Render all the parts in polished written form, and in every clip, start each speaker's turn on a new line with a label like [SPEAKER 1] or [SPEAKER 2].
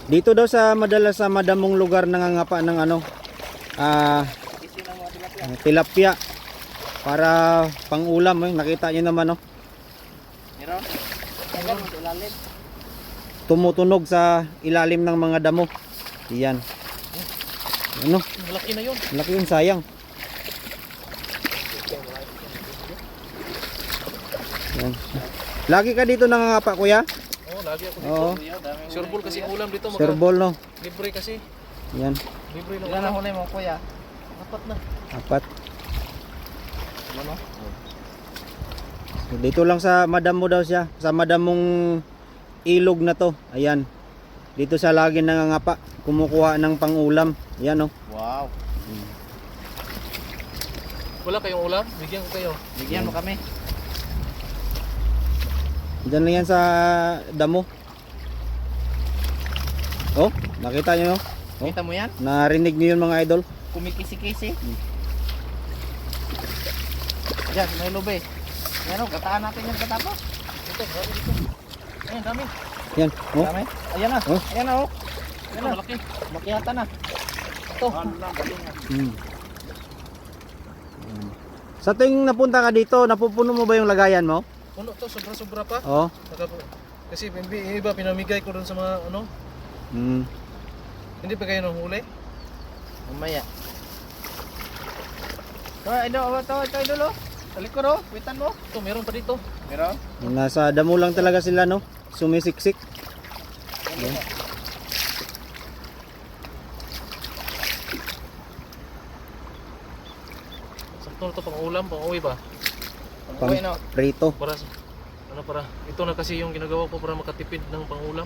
[SPEAKER 1] Dito daw sa madalas sa madamong lugar nangangapa ng ano, tilapia para pang-ulam. Nakita niyo naman, oh.
[SPEAKER 2] Meron? Meron sa ilalim.
[SPEAKER 1] Tumutunog sa ilalim ng mga damo. Iyan. Ano?
[SPEAKER 2] Malaki na yun.
[SPEAKER 1] Laki yun, sayang. Yan. Lagi ka dito nangangapa, kuya?
[SPEAKER 2] Oo, lagi ako dito.
[SPEAKER 1] Oo.
[SPEAKER 2] Sureball kasi ang ulam dito.
[SPEAKER 1] Serbol, no?
[SPEAKER 2] Libre kasi.
[SPEAKER 1] Yan.
[SPEAKER 2] Libre lang. Ilan na huli mo, kuya? Apat na.
[SPEAKER 1] Apat.
[SPEAKER 2] Ano?
[SPEAKER 1] Dito lang sa madam mo daw siya. Sa madam mong ilog na to. Ayan. Dito siya lagi nangangapa. Kumukuha ng pang-ulam. Ayan, oh.
[SPEAKER 2] Wow. Wala kayong ulam? Bigyan ko kayo. Bigyan mo kami.
[SPEAKER 1] Diyan lang yan sa damo. Oh, nakita nyo, no? Oh,
[SPEAKER 2] Kita mo yan?
[SPEAKER 1] narinig niyo yun, mga idol.
[SPEAKER 2] Kumikisi-kisi. Diyan, may lube. Yan o, gataan natin yung gata po. Ito, dami dito. Ayan, dami.
[SPEAKER 1] Yan, oh.
[SPEAKER 2] Dami. Ayan na.
[SPEAKER 1] Oh.
[SPEAKER 2] Ayan na o. Ayan na. Malaki. Makiyata na. Ito.
[SPEAKER 1] Hmm. Sa tuwing napunta ka dito, napupuno mo ba yung lagayan mo?
[SPEAKER 2] Puno to, sobra-sobra pa.
[SPEAKER 1] Oo.
[SPEAKER 2] Kasi yung iba pinamigay ko doon sa mga ano.
[SPEAKER 1] Hmm.
[SPEAKER 2] Hindi pa kayo nahuli? Mamaya. Ito, idol o. Talikod o, witan mo. Ito, meron pa dito. Meron?
[SPEAKER 1] Nasa damo lang talaga sila, no? Sumisiksik. Yan.
[SPEAKER 2] Sakto na ito pang ulam, pang uwi ba?
[SPEAKER 1] Pang prito.
[SPEAKER 2] Para ano para ito na kasi yung ginagawa ko para makatipid ng pangulam.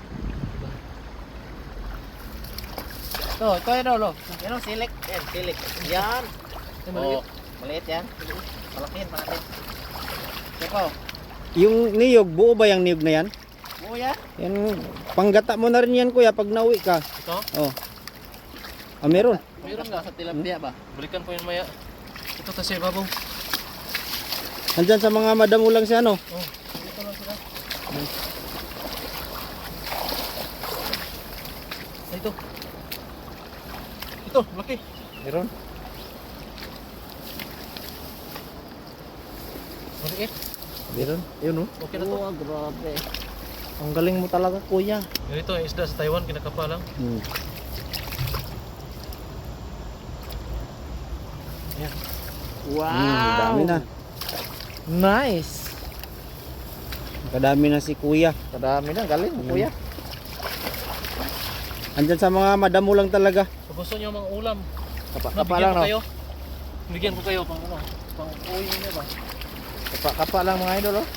[SPEAKER 2] Ito yun lo. Yan o, silik. Yan, silik. Yan. Maliit. Maliit yan. Malakihin pa natin. Ito.
[SPEAKER 1] Yung niyog, buo ba yung niyog na yan?
[SPEAKER 2] Buo yan.
[SPEAKER 1] Yan, panggata mo na rin yan, kuya, pag nauwi ka.
[SPEAKER 2] Ito?
[SPEAKER 1] Oh. Ah, meron.
[SPEAKER 2] Meron nga sa tilapia ba? Balikan ko yun maya. Ito kasi babaw.
[SPEAKER 1] Nandyan sa mga madamo lang siya, no?
[SPEAKER 2] Oh, dito lang sila. Ito. Ito, laki.
[SPEAKER 1] Meron.
[SPEAKER 2] Maliit.
[SPEAKER 1] Meron. Yun, no?
[SPEAKER 2] Okay na to.
[SPEAKER 1] Oh, grabe. Ang galing mo talaga, kuya.
[SPEAKER 2] Ganito ang isda sa Taiwan, kinakapa lang.
[SPEAKER 1] Hmm.
[SPEAKER 2] Yan.
[SPEAKER 1] Dami na.
[SPEAKER 2] Nice.
[SPEAKER 1] Kadami na si kuya.
[SPEAKER 2] Kadami na, galing kuya.
[SPEAKER 1] Andyan sa mga madamo lang talaga.
[SPEAKER 2] Kung gusto nyo mga ulam,
[SPEAKER 1] Kapa
[SPEAKER 2] bigyan
[SPEAKER 1] lang,
[SPEAKER 2] ko
[SPEAKER 1] no?
[SPEAKER 2] kayo. Bigyan ko kayo pang ano, pang uwi niyo ba?
[SPEAKER 1] Kapa lang, mga idol, oh.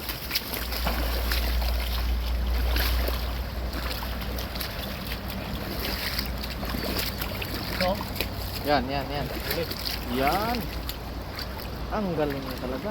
[SPEAKER 2] No?
[SPEAKER 1] Yan.
[SPEAKER 2] Ulit.
[SPEAKER 1] Yan. Ang galing niya talaga.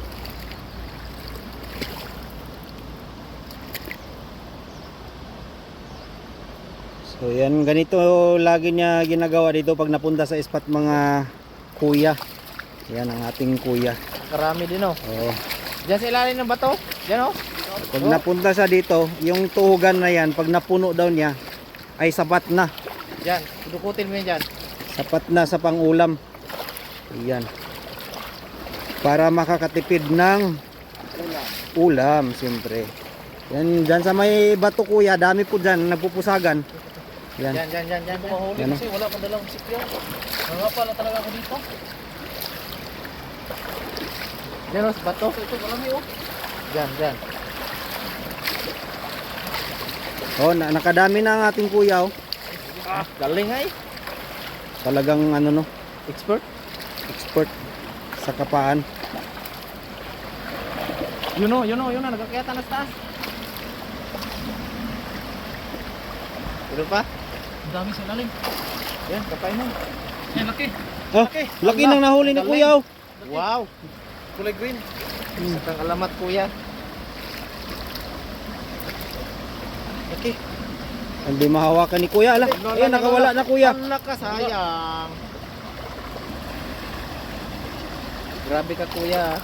[SPEAKER 1] So yan, ganito lagi niya ginagawa dito pag napunta sa spot, mga kuya. Yan ang ating kuya.
[SPEAKER 2] Karami din oh.
[SPEAKER 1] Oo.
[SPEAKER 2] Diyan sa ilalim ng bato. Diyan oh.
[SPEAKER 1] Pag napunta siya dito, yung tuhugan na yan, pag napuno daw niya, ay sapat na.
[SPEAKER 2] Diyan, dukutin mo yan diyan.
[SPEAKER 1] Sapat na sa pangulam. Ayan. Para makakatipid ng ulam, siyempre. Yan, dyan sa may bato, kuya, dami po dyan, nagpupusagan. Yan.
[SPEAKER 2] Diyan ko mahuli
[SPEAKER 1] Yan,
[SPEAKER 2] kasi wala pang dalang sipyo. Nangapa lang talaga ako dito. Diyan oh, sa bato. Ito, marami oh. Diyan.
[SPEAKER 1] Oh, nakadami na ang ating kuya, oh.
[SPEAKER 2] Galing ay.
[SPEAKER 1] Talagang ano, no,
[SPEAKER 2] Expert.
[SPEAKER 1] expert sa kapaan.
[SPEAKER 2] Yun o, nagkakita na sa taas. Ito pa? Ang dami sa ilalim. Yan, kapain mo. Yan, laki.
[SPEAKER 1] Oh, laki nang nahuli ni kuya, oh.
[SPEAKER 2] Wow. Kulay green. Sakang alamat kuya. Laki.
[SPEAKER 1] Hindi mahawakan ni kuya, ala. Ayan, nakawala na, kuya.
[SPEAKER 2] Ala ka, sayang. Grabe ka kuya.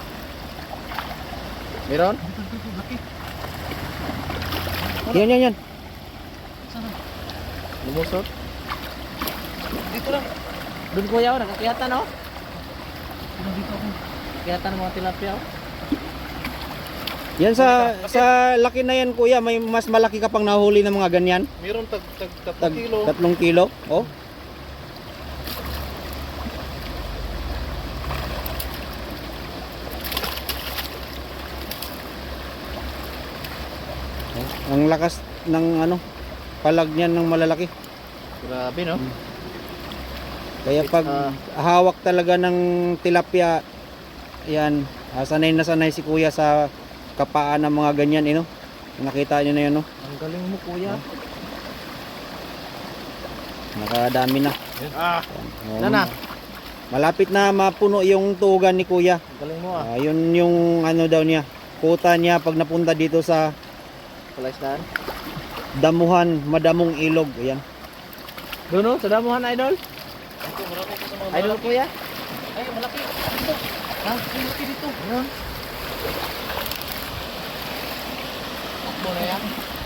[SPEAKER 2] Meron?
[SPEAKER 1] Yan.
[SPEAKER 2] Lumusot. Dito lang. Doon kuya, nakakiyatan oh. Dito ako. Kiyatan ng mga tilapia oh.
[SPEAKER 1] Yan sa laki na yan kuya, may mas malaki ka pang nahuli ng mga ganyan.
[SPEAKER 3] Meron tag
[SPEAKER 1] Tag
[SPEAKER 3] 3 kilo.
[SPEAKER 1] 3 kilo. Oh. Oh, ang lakas ng ano, palag niyan ng malalaki.
[SPEAKER 2] Grabe no.
[SPEAKER 1] Kaya pag hawak talaga ng tilapia, yan, sanay na sanay si kuya sa kapaan ng mga ganyan, no? Nakita niyo na yun, no?
[SPEAKER 2] Ang galing mo kuya.
[SPEAKER 1] Nakadami na. Oh,
[SPEAKER 2] Sana.
[SPEAKER 1] malapit na mapuno yung tugan ni kuya.
[SPEAKER 2] Ang galing mo ah.
[SPEAKER 1] Yun yung ano daw niya, kuta niya pag napunta dito sa
[SPEAKER 2] Palaisdaan.
[SPEAKER 1] damuhan, madamong ilog. Ayan.
[SPEAKER 2] Doon oh, sa damuhan idol.
[SPEAKER 3] Ito, marami pa sa mga
[SPEAKER 2] Idol kuya.
[SPEAKER 3] Ay, malaki. Dito.
[SPEAKER 2] Ha? Malaki dito. Ayun. Takbo na yan.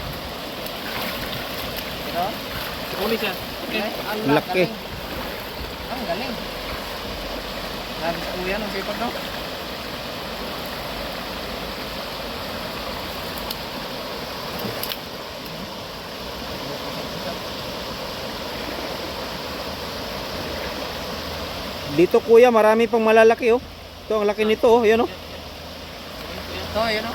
[SPEAKER 2] Ito.
[SPEAKER 3] Uli siya. Okay.
[SPEAKER 2] Ang
[SPEAKER 1] Laki.
[SPEAKER 2] galing. Ang galing. Grabe si kuya ng sipag no?
[SPEAKER 1] Dito kuya, marami pang malalaki, oh. Ito, ang laki nito, oh. Ayan, oh.
[SPEAKER 2] Ito, yun o.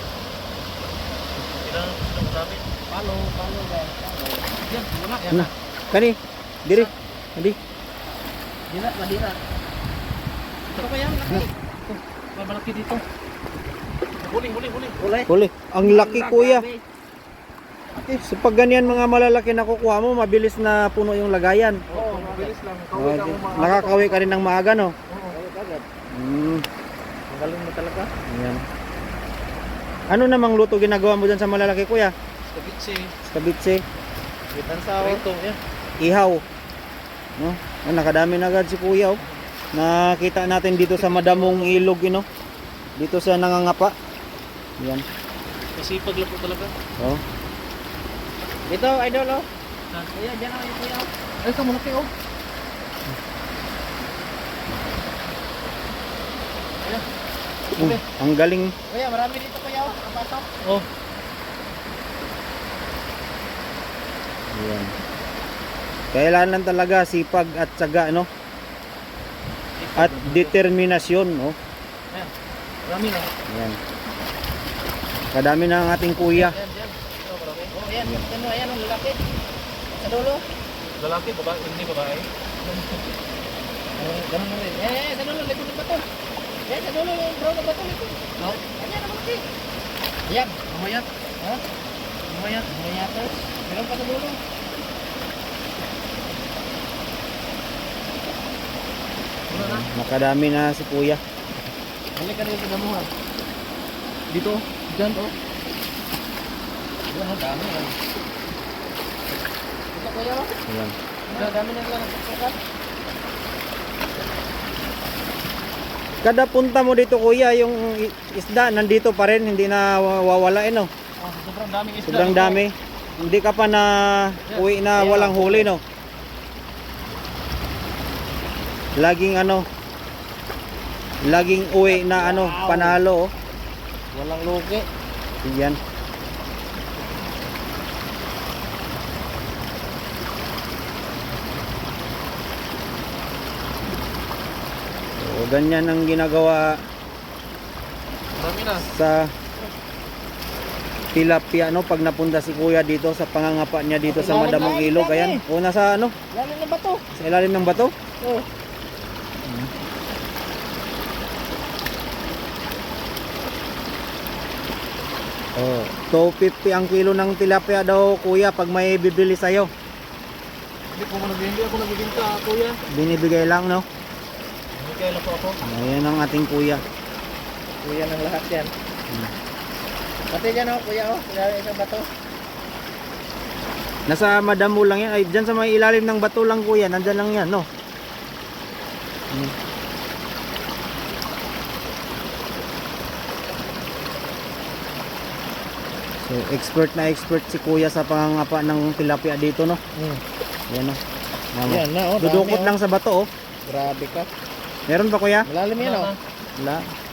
[SPEAKER 3] Ilan marami.
[SPEAKER 2] Palo guys. Palo. Yan, wala. Yan.
[SPEAKER 1] Ano? Kani, diri. Hindi.
[SPEAKER 2] Dira, madira. Ito kaya, laki. Ito, may malaki dito.
[SPEAKER 3] Huli.
[SPEAKER 2] Kulay.
[SPEAKER 1] Huli. Ang laki kuya. So pag ganyan mga malalaki nakukuha mo, mabilis na puno yung lagayan.
[SPEAKER 3] Oo, mabilis lang.
[SPEAKER 1] Oh, nakakawi ka rin ng maaga, no?
[SPEAKER 2] Oo, agad. Ang galing mo talaga.
[SPEAKER 1] Ayan. Ano namang luto ginagawa mo dyan sa malalaki kuya?
[SPEAKER 3] Tabitsi.
[SPEAKER 1] Kabitse,
[SPEAKER 2] Bitan sa
[SPEAKER 3] Rito, yan.
[SPEAKER 1] ihaw. No? Nakadami na agad si kuya, oh. Nakita natin dito sa madamong ilog, no? Dito sa nangangapa. Ayan.
[SPEAKER 3] Masipag lang po talaga.
[SPEAKER 1] Oh.
[SPEAKER 2] Dito, idol oh. Kuya, dyan ako yung kuya. Ay, ito malaki oh.
[SPEAKER 1] Ang galing.
[SPEAKER 2] Kuya, marami dito kuya oh. Napasok.
[SPEAKER 3] Oh.
[SPEAKER 1] Ayan. Kailangan talaga sipag at tiyaga, no? At determinasyon, no?
[SPEAKER 3] Marami na.
[SPEAKER 1] Ayan. Kadami na ang ating kuya.
[SPEAKER 3] Yan. Ito, marami.
[SPEAKER 2] Oh, yan. Ano, ayan ang lalaki. Sa dulo.
[SPEAKER 3] Lalaki, babae, hindi babae.
[SPEAKER 2] Ganun na rin. Sa dulo, likod ng bato. Yan, sa dulo, yung brown na bato. Likod.
[SPEAKER 3] No?
[SPEAKER 2] Ayan, ang malaki. Ayan.
[SPEAKER 3] Mamayat.
[SPEAKER 2] Ha?
[SPEAKER 3] Mamayat.
[SPEAKER 2] Ayan, tapos. Meron pa sa dulo.
[SPEAKER 3] Wala na.
[SPEAKER 1] Nakadami na si kuya.
[SPEAKER 2] Balik ka rin sa damuhan.
[SPEAKER 3] Dito. Diyan, oh.
[SPEAKER 2] Yan, ang dami. Ito kuya oh.
[SPEAKER 1] Ayan.
[SPEAKER 2] Ang dami na lang nagpupukan.
[SPEAKER 1] Kada punta mo dito kuya, yung isda nandito pa rin, hindi na wawala, no?
[SPEAKER 3] Sobrang daming isda.
[SPEAKER 1] Sobrang dami. Hindi ka pa na uwi na walang huli, no? Laging laging uwi na panalo, oh.
[SPEAKER 2] Walang lugi.
[SPEAKER 1] Yan. So, ganyan ang ginagawa
[SPEAKER 3] Marami na.
[SPEAKER 1] sa tilapia, no? Pag napunta si kuya dito sa pangangapa niya dito sa madamong ilog. Ayan. O nasa
[SPEAKER 2] Lalim na bato.
[SPEAKER 1] sa ilalim ng bato.
[SPEAKER 2] Oh.
[SPEAKER 1] Oh, 250 ang kilo ng tilapia daw kuya pag may bibili sa'yo.
[SPEAKER 3] Hindi ako nagbibinta, kuya.
[SPEAKER 1] Binibigay lang, no?
[SPEAKER 3] Hindi kaya lang po ako.
[SPEAKER 1] Ayan ang ating kuya.
[SPEAKER 2] Kuya ng lahat yan. Pati dyan oh, kuya oh. Kuya isang bato.
[SPEAKER 1] Nasa madamo lang yan. Ay, dyan sa may ilalim ng bato lang kuya. Nandyan lang yan, no? So, Expert na expert si kuya sa pangangapa ng tilapia dito, no? Yan, no?
[SPEAKER 2] Yan na, oh.
[SPEAKER 1] Dudukot
[SPEAKER 2] dami,
[SPEAKER 1] lang sa bato, oh.
[SPEAKER 2] Grabe ka.
[SPEAKER 1] Meron ba, kuya?
[SPEAKER 2] Malalim yan, oh.
[SPEAKER 1] Wala.